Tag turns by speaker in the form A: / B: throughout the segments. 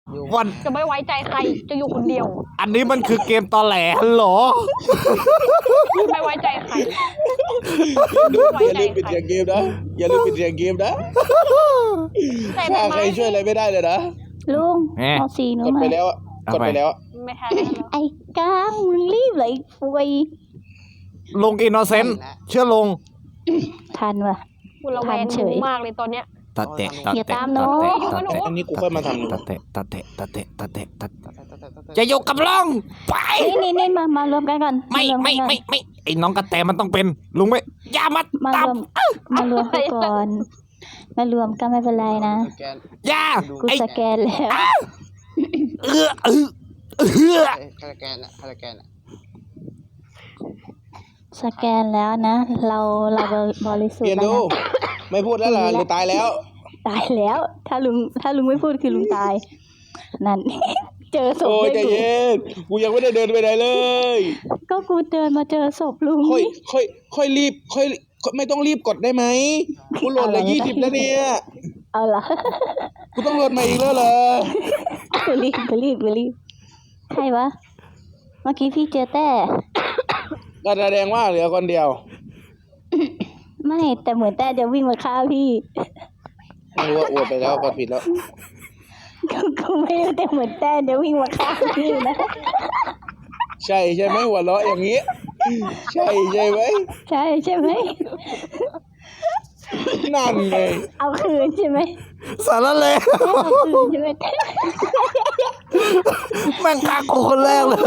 A: วัน
B: จะไม่ไว้ใจใครจะอยู่คนเดียว
A: อันนี้มันคือเกมตอแหลเหรอ
B: ไม่ไว้ใจใคร
C: อย่าลืมปิดเสียงเกมนะอย่าลืมปิดเสียงเกมนะถ้าใครช่วยอะไรไม่ได้เลยนะ
D: ลุงเอาสีหนู
C: กด
D: มา
C: ไปแล้วกดไปแล้ว
B: ไม่ทันแล้ว
D: ไอ้ก้างมึงรีบเลยฟวย
A: ลงอินโนเซนต์เชื่อลง
D: ทันว่ะ
B: กูระแวงหนูมากเลยตอนเนี้ย
A: ตัดเตะตัด
D: อย่า
A: เตะ
D: ตาม
A: ตัด
D: น้อง
A: เตะตัดเตะ
C: อันนี้กูค่อยมาทำ
A: ตัดเตะตัดเตะตัดเตะตัดเตะตัดจะอยู่กับลงไป
D: นี่มารวมกันก่อน
A: ไม่
D: ารวกันก่อน
A: ไม่ไอ้น้องกระแตมันต้องเป็นลุงไม่อย่ามา
D: มา
A: ตาม
D: รวมกันก่อนมารวมกันไม่เป็นไรนะ
A: อย่า
D: กู
A: ไอ้
D: สแกนแล้ว
A: เออ
C: คาราแกนอะ
D: สแกนแล้วนะเราบริสุท
C: เรีย
D: ธิ์
C: น
D: แล้ว
C: ดู
D: นะ
C: ไม่พูดแล้วล่ะหรือตายแล้ว
D: ตายแล้ว ถ้าลุงไม่พูดคือลุงตายนั่น เจอศพ
C: โอ้ย
D: ด้
C: ใจ
D: วย
C: เย็นกูยังไม่ได้เดินไปไหนเลย
D: ก็กูเดินมาเจอศพลุง
C: ค่อยรีบไม่ต้องรีบกดได้ไหมกูโหลดละ20แล้วเนี่ย
D: เอาล่ะ
C: กูต้องโหลดใหม่อีกแล้วเหรอ
D: ไปรีบใครวะเมื่อกี้พี่เจอแต่
C: ก็แสดงว่าเหลือคนเดียว
D: ไม่แต่เหมือนแต่จะวิ่งมาฆ่าพี่
C: ไม่รู้ว่าอวดไปแล้วกดผิดแล้ว
D: กูไม่รู้แต่เหมือนแต่จะวิ่งมาฆ่าพี่นะ
C: ใช่ไหมหัวเราะอย่างนี้ ใช่ไหม
D: ใช่ไหม
C: นั่นไง
D: เอาคืนใช่ไหม
A: สารเลว
D: เอาคืนใช่ไหม
A: แม่งฆ่ากูคนแรกเลย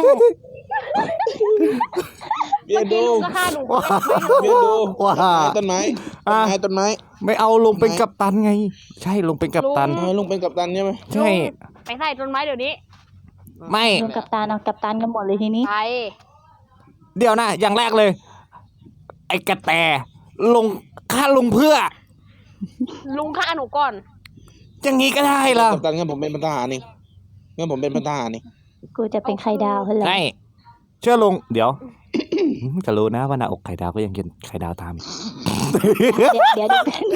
C: เรียนดู
B: ก็ฆ่าหนู
C: เรียนดู
A: ว่า
C: ต้นไม้ต้นไม้
A: ไม่เอาลงเป็นกัปตันไง ใช่ลงเป็นกัปตัน
C: ลุงเป็นกัปตันใช่ไหม
A: ใช่
B: ไปใส่ต้นไม้เดี๋ยวนี้
A: ไม่
D: รวมกับตาเอากับตันกันหมดเลยทีนี้
B: ไป
A: เดี๋ยวนะอย่างแรกเลย ไอ้กระแตลงฆ่าลงเพื่อ
B: ลุงฆ่าหนูก่อน
A: อย่างนี้ก็ได้เหรอ
C: กัปตันงั้นผมเป็นพันทหารนี่งั้นผมเป็นพันทหารนี่
D: กูจะเป็นไข่ดาวเหรอ
A: ใช่เชื่อลงเดี๋ยว จะรู้นะว่าหน้าอกไข่ดาวก็ยังกินไข่ดาวตาม
D: เดี๋ยว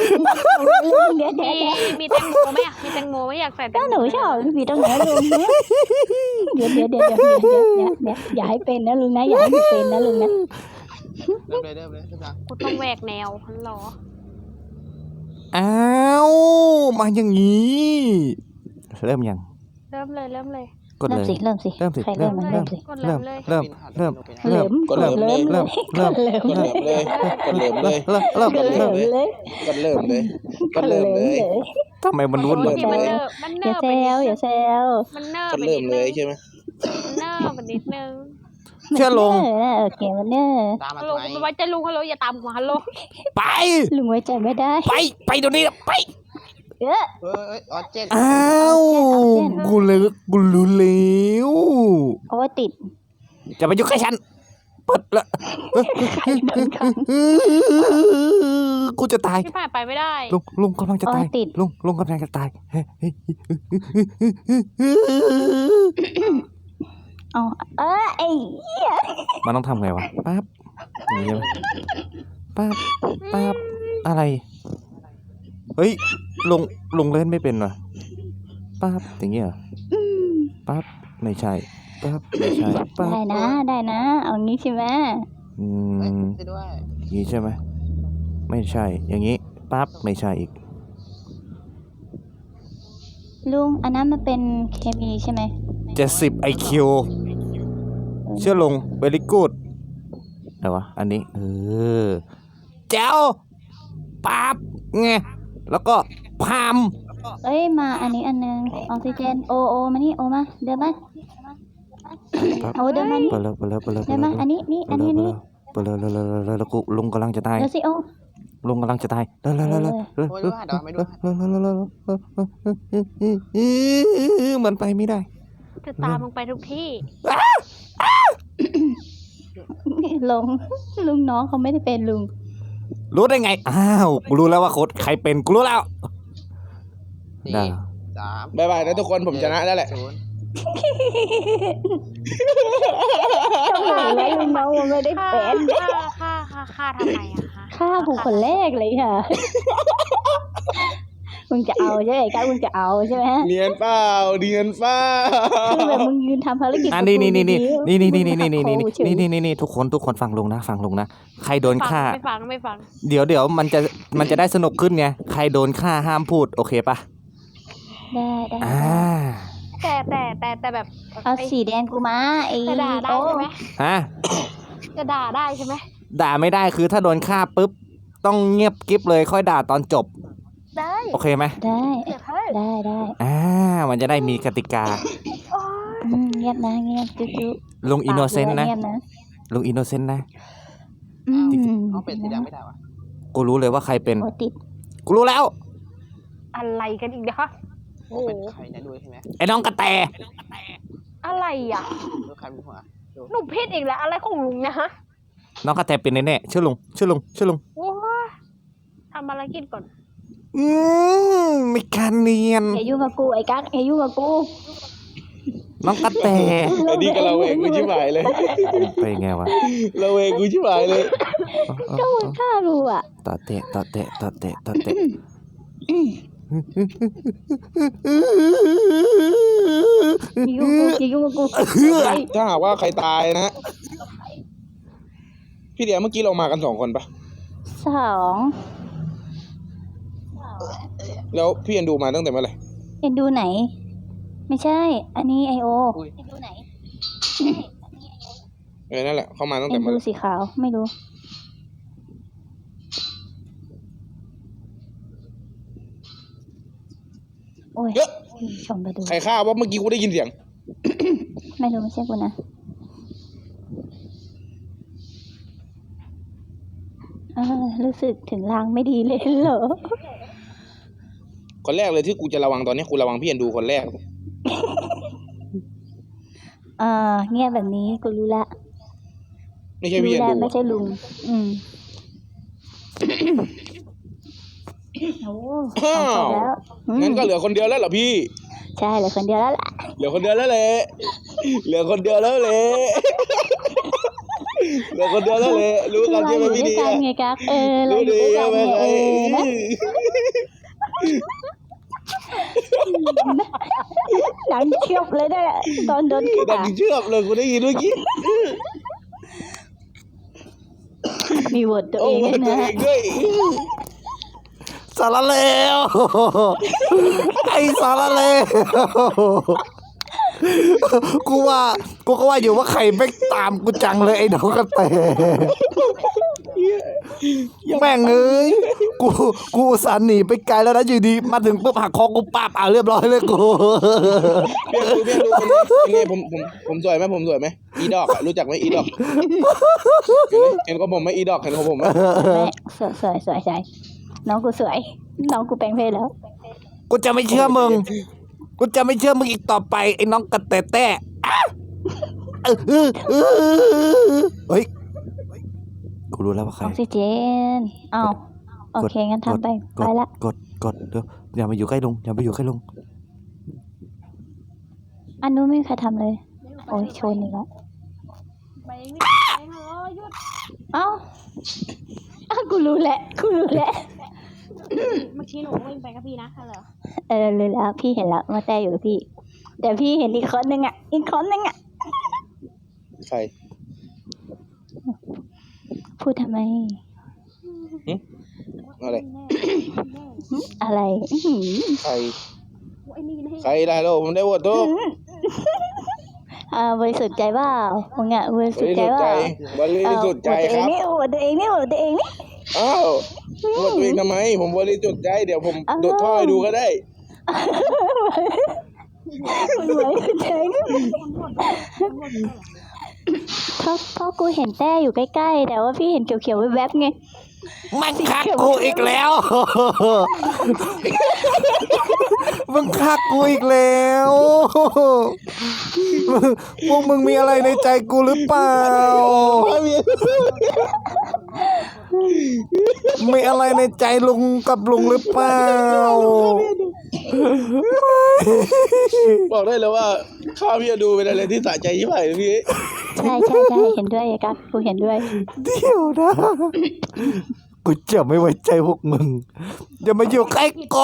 B: มีแตงโมไหมอะมีแตงโมไหมอยากใส่แต
D: ก็
B: งโม
D: หนูชอบพี่ต้องไหนลุงเนี่ยเดี๋ยวอย่าให้เป็นนะลุงนะอย่าให้เป็นนะลุงนะ
C: เริ่มเลยทุกท่าน
B: กูต้องแหวกแนวฮัลโหล
A: อ้าวมาอย่างนี้ เริ่มยัง
B: เริ่มเลย
A: กดเลย
D: เริ่มสิ
A: เริ่มสิ
D: ใครเริ่มมาเริ่มสิ
A: เริ่ม
B: เลย
A: เริ่ม
D: เริ่ม
C: กดเริ่มเลย
A: เริ่ม
C: กดเริ่มเลยกดเริ่มเลย
A: เริ่ม
D: เริ่มเลย
C: กดเริ่มเลยกดเริ่มเลย
A: ทำไมมันวุ่นวาย
B: ที่มันเนิบ
D: อย่าแซวอย่าแซว
B: มันเนิบ
C: กดเริ่มเลยใช่ไหม
B: มันเนิบไปนิดนึง
A: เชื่อลง
D: โอเคมันเนี่ย
B: ฮัลโหลไม่ไว้ใจลุงฮัลโหลอย่าตามหัวฮัลโหล
A: ไป
D: ลุงไว้ใจไม่ได้
A: ไปเดี๋ยวนี้ไป
D: เออ
C: ออเจน
A: อ้าวกูเลยกูรู้แล้ว
D: เอาไว้ติด
A: จะไปยุ่งกับฉันเปิดละกูจะตาย
B: พี่ผ่านไปไม่ได้
A: ลุงกำลังจะตายลุงกำลังจะตาย
D: เอาไอ้เหี้ย
A: มันต้องทำไงวะปั๊บอย่างนี้ใช่ไหมปั๊บอะไรเฮ้ยลงเล่นไม่เป็นวะปั๊บอย่างเงี้ยปั๊บไม่ใช่ปั๊บไม่ใช่ปั๊บ
D: ได้นะเอางี้ใช่ไหม
A: อย่างนี้ใช่ไหมไม่ใช่ อย่างนี้ปั๊บไม่ใช่อีก
D: ลุงอันนั้นมันเป็นเคมีใช่ไหม
A: 70 IQ เชื่อลง very good อะไรวะอันนี้แจ๋วปั๊บไงแล้วก็พาม
D: เอ้ยมาอันนี้อันนึงออกซิเจนโอมานี่โอมาเดินมาเอาเดินมานี่
A: ไปเลย
D: เดินมาอันนี้นี่อันนี้นี่
A: ไปเลยแล้วกูลุงกำลังจะตาย
D: เดี๋ยวสิโอ
A: ลุงกำลังจะตายเร็วมันไปไม่ได้
B: จะตามมึงไปทุกที่
D: ลุงน้องเขาไม่ได้เป็นลุง
A: รู้ได้ไงอ้าวกูรู้แล้วว่าโค้ดใครเป็นกูรู้แล้วได้
C: บายบายนะทุกคนผมชนะแล้วแหละ
D: ทำไมแล้วลุงน้องมันไม่ได้
B: ฆ่า
D: เป็น
B: ฆ่าทำไมอะคะ
D: ฆ่าผู้คนแรกเลยค่ะมึงจะเอาใช่ไหมไอ้กั๊กมึงจะเอาใช่ไหม
C: เนียนเปล่าเนียนเปล่า
D: คือแบบมึงยืนทำภารกิจ
A: อ่ะ
D: กับ
A: นี่
D: กู
A: นี่นี่
D: ดี
A: นี่
D: ๆ
A: นี่
D: มึ
A: นี่
D: ง
A: นี่นี่
D: หัก
A: นี่
D: คอกูเฉย
A: นี่ทุกคนฟังลุงนะใครโดนฆ่า
B: ไม่ฟังไม่ฟัง
A: เดี๋ยวมันจะได้สนุกขึ้นไงใครโดนฆ่าห้ามพูดโอเคปะ
D: ได้
A: อ่า
B: แต่แบบ
D: เอาสีแดงกูมาไอ้
B: จะด่าได้
D: โต้
B: ใช่ไหม
A: ฮะ
B: จะด่าได้ใช่ไหม
A: ด่าไม่ได้คือถ้าโดนฆ่าปุ๊บต้องเงียบกิ๊บเลยค่อยด่าตอนจบ
B: ได้
A: โอเคไหม
D: ได้
B: เดี๋ยวเฮ้ย
D: ได้
A: มันจะได้มีกติกา
B: โอ๊ย
D: เงียบนะเงียบจุ๊จุ๊
A: ลุงอินโนเซนต์นะ
D: เงียบนะ
A: ลุงอินโนเซนต์นะ
D: อืม
C: เอาเป็นสีดำไม่ได้วะ
A: กูรู้เลยว่าใครเป็น
D: โอติด
A: กูรู้แล้ว
B: อะไรกันอีกเนี่ยคะโอ้โห
C: เป็นใครนะด้วยใช่ไหม
A: ไอ้น้องกระแต
B: อะไรอ่ะ
C: ดูใครมีหัว
B: หนูผิดอีกแล้วอะไรของลุงเนี่ยฮะ
A: น้องกระแตเป็นแน่ๆเชื่อลุง
B: โอ้ยทำภารกิจก่อน
A: ไม่การเนียน
D: อย่ายุ่งกับกูไอ้กั๊กอย่ายุ่งกับกู
A: น้องกระแต
C: ไอ้นี่ก็เราเองกูชิบหายเลย
A: ไปไงวะ
C: เราเองกูชิบหายเลย
D: ก็มึงฆ่ากูอ่ะ
A: ต่อเตะ
D: อย่ายุ่งกับกู
C: ถ้าหากว่าใครตายนะพี่เดียเมื่อกี้เรามากัน2 คนปะ
D: สอง
C: แล้วพี่เอ็นดูมาตั้งแต่เมื่อไหร่
D: เอ็นดูไหน ไม่ใช่ อันนี้ไอโอ
C: เอ็นดูไหนนั่นแหละเขามาตั้ง
D: เอ็
C: แต่
D: น
C: เมื่อ
D: ดู
C: ไหร่
D: สีขาวไม่รู้โอ้ย
C: เยอะ
D: ชมไปดู
C: ใครฆ่าว่าเมื่อกี้กูได้ยินเสียง
D: ไม่รู้ไม่ใช่กูนะรู้สึกถึงลางไม่ดีเลยเหรอ
C: คนแรกเลยที่กูจะระวังตอนนี้กูระวังพี่เอ็นดูคนแรก
D: เงียบแบบนี้กูรู้ละ
C: ไม่ใช่
D: รู้
C: พี่เอ็น
D: แล้ว
C: ดู
D: ไม่ใช่ลุง โอ้ของครบแล้ว
C: งั้นก็เหลือคนเดียวแล้วเหรอพี่
D: ใช่เหลือคนเดียวแล้วล่ะ
C: เหลือคนเดียวแล้วแหละเหลือคนเดียวแล้วแหละเหลือคนเดียวแล้วแหละรู้กันใช่ไหม
D: เราอยู่
C: พี่
D: ด้ว
C: เดี
D: ย
C: ย
D: กันไงกั๊กเรา
C: รู้
D: อยู่
C: ดี
D: ด้วยกั
C: ใช่
D: น
C: ไหม
D: ไง
C: ไง
D: นะหนังเชียบเลยเนี่ยตอนโดน
C: ดั
D: ฆ่าง
C: เชื่อมเลยกูได้ยินเมื่อกี้
D: มีบทตัว
C: โอ้
D: เอง
C: มา
D: ด้วย
C: ตัว
D: นะ
C: เองด้วย
A: สารเลวไอ้สารเลวกูก็ว่าอยู่ว่าใครไม่ตามกูจังเลยไอ้น้องกระแตแม่งเอ้ยกูอุตส่าห์หนีไปไกลแล้วนะอยู่ดีมาถึงปุ๊บหักคอกูปั๊บเรียบร้อยเลยกู
C: พี่ดูเป็นไงผมสวยไหมผมสวยไหมอีดอกอะรู้จักไหมอีดอกเห็นของผมไหมอีดอกเห็นของผมไหม
D: สวยน้องกูสวย น้องกูแปลงเพศแล้ว
A: กูจะไม่เชื่อมึงอีกต่อไปไอ้น้องกระแตแต้เฮ้ยกูรู้แล้วว่าใค
D: อ
A: ร
D: อกซิเจนอ้าวโอเคงั้นทำไปละ
A: กดเดี๋ยวอย่ามาอยู่ใกล้ลุง
D: อันนู้นไม่มีใครทำเลย โอ้ยชนอีกแล้ว
B: ไปนี่ไปเถอะหยุด
D: เอ้ากูรู้แหละ
B: เมื่อกี้หนูวิ่งไปกับพี่นะเหรอ
D: รู้แล้วพี่เห็นแล้วว่าแต่อยู่กับพี่ แต่พี่เห็นอีกคนนึงอ่ะ
C: ใคร
D: พูดทำไม
C: อะไร
D: อะไร
C: ใคร
B: ไอ้นี่ให้
C: ใครได้แล้วผมได้โหวตทุก
D: บริสุทธิ์ใจเปล่ามึงอ่ะบริ
C: บ
D: สุท
C: ริ
D: ธิ์ใจ
C: สุทธิ์
D: เป
C: ใจ
D: ล่า
C: บริสุทธิ์ใจครับ
D: โหวตตัวเองนี่
C: อ้าวโหวตตัวเองทำไม ผมบริสุทธิ์ใจเดี๋ยวผมดูดท่อให้ดูก็ได้
D: มึงบริสุทธิ์ใจเพราะกูเห็นแต้อยู่ใกล้ๆแต่ว่าพี่เห็นเขียวๆแวบๆไง
A: มันคักกูอีกแล้ว มึงคักกูอีกแล้วพวกมึงมีอะไรในใจกูหรือเปล่า มีอะไรในใจลุงกับลุงหรือเปล่า
C: บอกได้เลยว่าข้าวพี่จะดูเป็นอะไรที่สะใจยิ่งใหญ่เลยพี่
D: ใช่เห็นด้วยกั๊กกูเห็นด้วย
A: เดี๋ยวนะกูจะไม่ไว้ใจพวกมึงอย่ามาอยู่ใกล้กู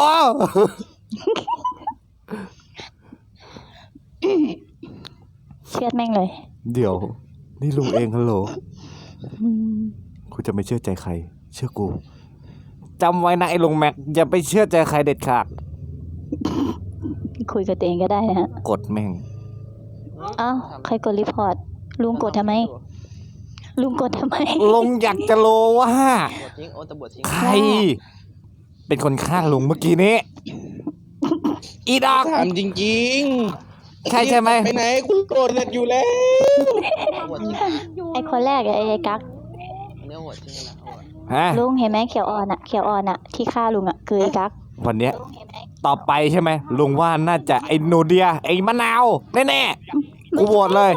D: เชื่อดแม่งเลย
A: เดี๋ยว นี่ลุงเองฮัลโหล
D: อืม
A: กูจะไม่เชื่อใจใคร เชื่อกูจำไว้นะไอ้ลุงแม็กอย่าไปเชื่อใจใครเด็ดขาด
D: คุยกับตัวเองก็ได้นะฮะ
A: กดแม่ง
D: อ้าวใครกดรีพอร์ตลุงกดทำไม ลุงกดทำไม
A: ลุงอยากจะรู้ว่า
C: บวชทิ้งโอ้ตำรวจทิ้ง
A: ใคร เป็นคนฆ่าลุงเมื่อกี้นี้ อีดอก
C: ถามจริง
A: ใช่ใช่ไหม
C: ไปไหนกูโกรธเสร็จอยู่แล้ว
D: ไอคนแรกอะไอกั๊ก
C: เนื้อหัวทิ้งนะ
A: ฮะ
D: ลุงเห็นไหมเขียวอ่อนอะเขียวอ่อนอะที่ฆ่าลุงอะคือไอกั๊ก
A: วันเนี้ยต่อไปใช่ไหมลุงว่าน่าจะไอ้โนเดีย ไอ้มะนาวแน่ๆกูโหวตเลย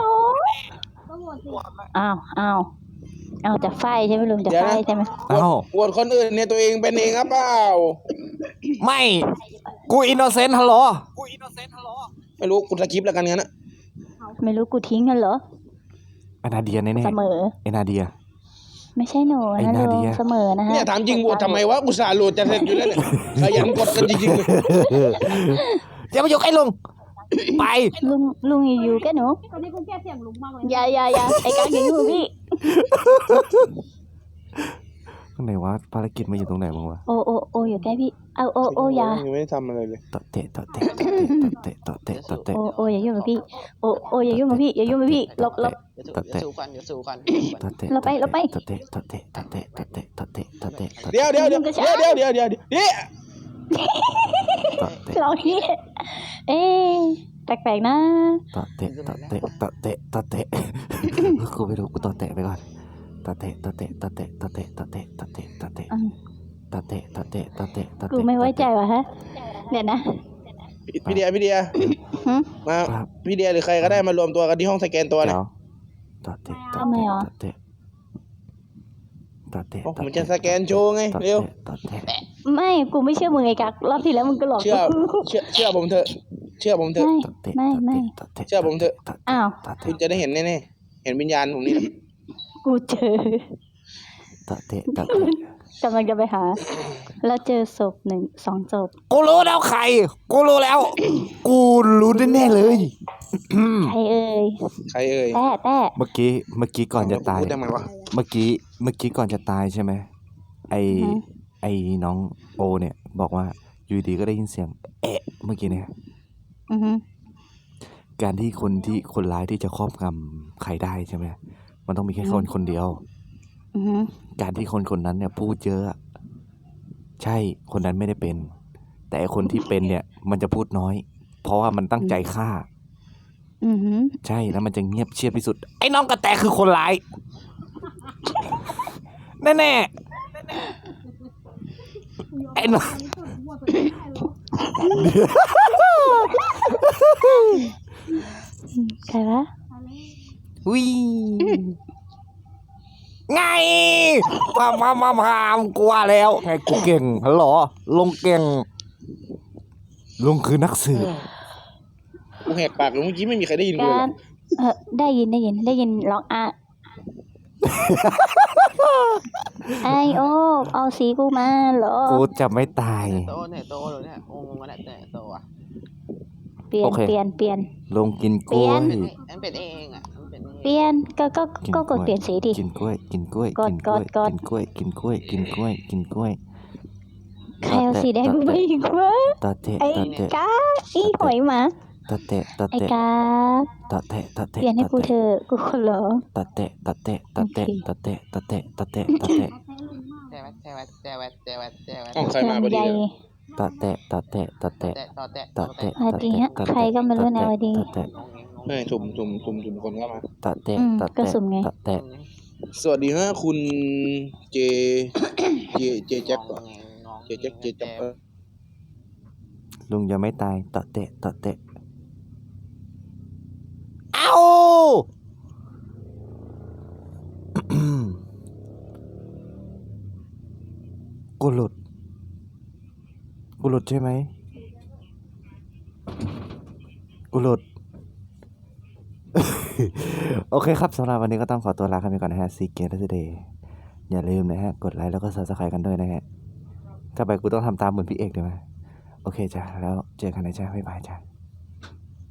D: อ้าวจะไฟใช่ไหมลุงจะไฟใช่ไหม
A: เอ้า
C: โหวตคนอื่นเนี่ยตัวเองเป็นเองครับเปล่า
A: ไม่ กูอินโนเซนต์ฮัลโหล
C: ไม่รู้กูสกิปแล้วกันงั้นนะ
D: ไม่รู้กูทิ้งกันเหรอ
A: ไอ้นาเดียแน่
D: เสมอ
A: ๆไอ้นาเดีย
D: ไม่ใช่หนู
A: ไอ้
D: นะ
A: นา
D: ลุ
A: เดี
D: ง
A: ย
D: เสมอนะฮะ
C: เนี่ยถามจริงโหวตทำไมวะอุตส่าห์โหลดจะเสร็จอยู่แล้วเนี่ยขยันกดกันจริงๆเลย
A: อย่ามาอยู่ใกล้ลุง ไป
D: ลุงอยู่ๆแกหนู
B: ตอนนี้กูแก้เสียงลุงมากเลย
D: อย่าไอกั๊กอย่าอยู่งพี่
A: ตรงไหนวะภารกิจมาอยู่ตรงไหนบ้างวะ
D: โออยู่ใกล้พี่เอาโออย่า
C: ยังไม่ได้ทำอะไรเลย
A: ตะเตะตะเตะตะเตะตะเตะตะเตะ
D: โออย่ายุ่งกับพี่โออย่ายุ่งกับพี่อย่ายุ่งกับพี่หลบ
A: ตะเตะ
C: เดี๋ยวสู้กัน
A: ตะเตะ
D: เราไป
A: ตะเตะตะเตะตะเตะตะเตะตะเตะตะเตะตะ
C: เดี๋ยว
A: เตะ
D: เราที่เอ๊ะแปลกๆนะ
A: ตะเตะตะเตะตะเตะตะเตะกูไม่รู้กูตะเตะไปก่อนตะเตะตะเตะตะเตะตะเตะตะเตะตะเตะตะเตะ
D: อืม
A: ตะเตะตะเตะตะเตะตะเตะ
D: กูไม่ไว้ใจว่ะฮะเดี๋ยวนะ
C: พี่เดีย
D: หึ
C: มาพี่เดียหรือใครก็ได้มารวมตัวกันที่ห้องสแกนตัวหน่อย
A: เดี๋ยวตะเตะตะ
D: ทำไม
A: เตะ
D: อ่ะ
A: ตะเตะตะเตะ
C: โอ้ผมจะสแกนโชว์ไง
A: ตะ
C: เร็ว
A: เตะตะเตะ
D: ไม่กูไม่เชื่อมึงไอ้กักรอบที่แล้วมึงก็หลอก
C: เชื่อ
D: กู
C: เชื่อผมเถอะเชื่อผมเถอะ
A: ตะเตะ
D: ไม่
A: ตะเตะ
C: เชื่อผมเถอะ
A: ตะเตะ
D: อ้าว
A: ตะ
C: คุ
A: เตะ
C: ณจะได้เห็นแน่ๆเห็นวิญญาณผมนี่แหละ
D: กูเจอ
A: ตะเตะตะเตะ
D: กำลังจะไปหา แล้วเจอศพ2 ศพ
A: กูรู้แล้วใคร กูรู้แล้ว กูรู้แน่ๆเลย
D: ใครเอ่ย
C: ใครเอ่ย
D: แต่
A: เมื่อกี้ก่อนจะตาย
C: พูดได้ไหมวะ
A: เมื่อกี้ก่อนจะตายใช่ไหมไอ้น้องโอเนี่ย บอกว่าอยู่ดีก็ได้ยินเสียง เอ๊ะเมื่อกี้เนี่ย
D: อือฮึ
A: การที่คนร้ายที่จะครอบงำใครได้ใช่ไหมมันต้องมีแค่คนเดียว
D: อือฮึ
A: การที่คนนั้นเนี่ยพูดเยอะอะใช่คนนั้นไม่ได้เป็น แต่ไอ้คนที่เป็นเนี่ย มันจะพูดน้อย เพราะว่ามันตั้งใจฆ่า
D: อือฮึ
A: ใช่แล้วมันจะเงียบเชียบที่สุด ไอ้น้องกระแตคือคนร้าย แน่ๆไอ้น้อง
D: ใครวะ
A: วิไงพามกลัวแล้วไงกูเก่งฮัลโหลลงเก่งลุงคือนักสืบ
C: กูแหกปากเลยเมื่อกี้ไม่มีใครได้ยินกูเลย
D: การได้ยินร้องอ่ะ ไอโอเอาสีกูมาเหรอ
A: กูจะไม่ตาย
C: โตเนี่ยโตเลยเนี่ยโอ้มึงมาเนี่ยโตอ่ะ
D: เปลี่ยน
A: โอเค
D: เปลี่ยน
A: ลงกินกล้วย
C: มันเป็นเองอ่ะมันเป็นเอง
D: เปลี่ยนก็กดเปลี่ยนสีดิ
A: กินกล้วยกินกล้วย
D: กด
A: กินกล้วย
D: กด
A: กินกล้วยกินกล้วยกินกล้วยกินกล้วย
D: ใครเอาสีแดงกูไปอีกวะ
A: ตะเตะ
D: ไอ้
A: ตะเตะ
D: กาอีหอยหมา
A: ตะเตะตะ
D: ไอ้
A: เตะ
D: กา
A: ตะเตะตะ
D: เป
A: เตะ
D: ลี่ยนให้กูเถอะกูขอร้อง
A: ตะเตะตะเตะตะเตะตะเตะตะเตะตะเตะตะเตะ
C: ห้องใครมาพอดี
D: ใหญ่
C: เลย
A: ตะเตะตะเตะตะเตะตะเตะ
D: สวัสดีฮะใครก็ไม่รู้นะสวัสดี
A: ตะเตะ
C: เฮ้ยสุ่มคนเข้ามา
A: ตะเตะ
D: ก็
A: ตะ
D: สุ่มไง
A: เตะตะเตะ
C: สวัสดีฮะคุณเจแจ็คเจแจ็ค
A: ลุงยังไม่ตายตะเตะตะเตะเอ้า กูหลุดใช่ไหมกูหลุด โอเคครับสำหรับวันนี้ก็ต้องขอตัวลากันไปก่อนนะฮะซีเกตเดย์อย่าลืมนะฮะ กดไลค์แล้วก็ Subscribe กันด้วยนะฮะ ถ้าไปกูต้องทำตามเหมือนพี่เอกได้ไหมโอเคจ้ะ แล้วเจอกันนะจ้ะบ๊ายบายจ้ะ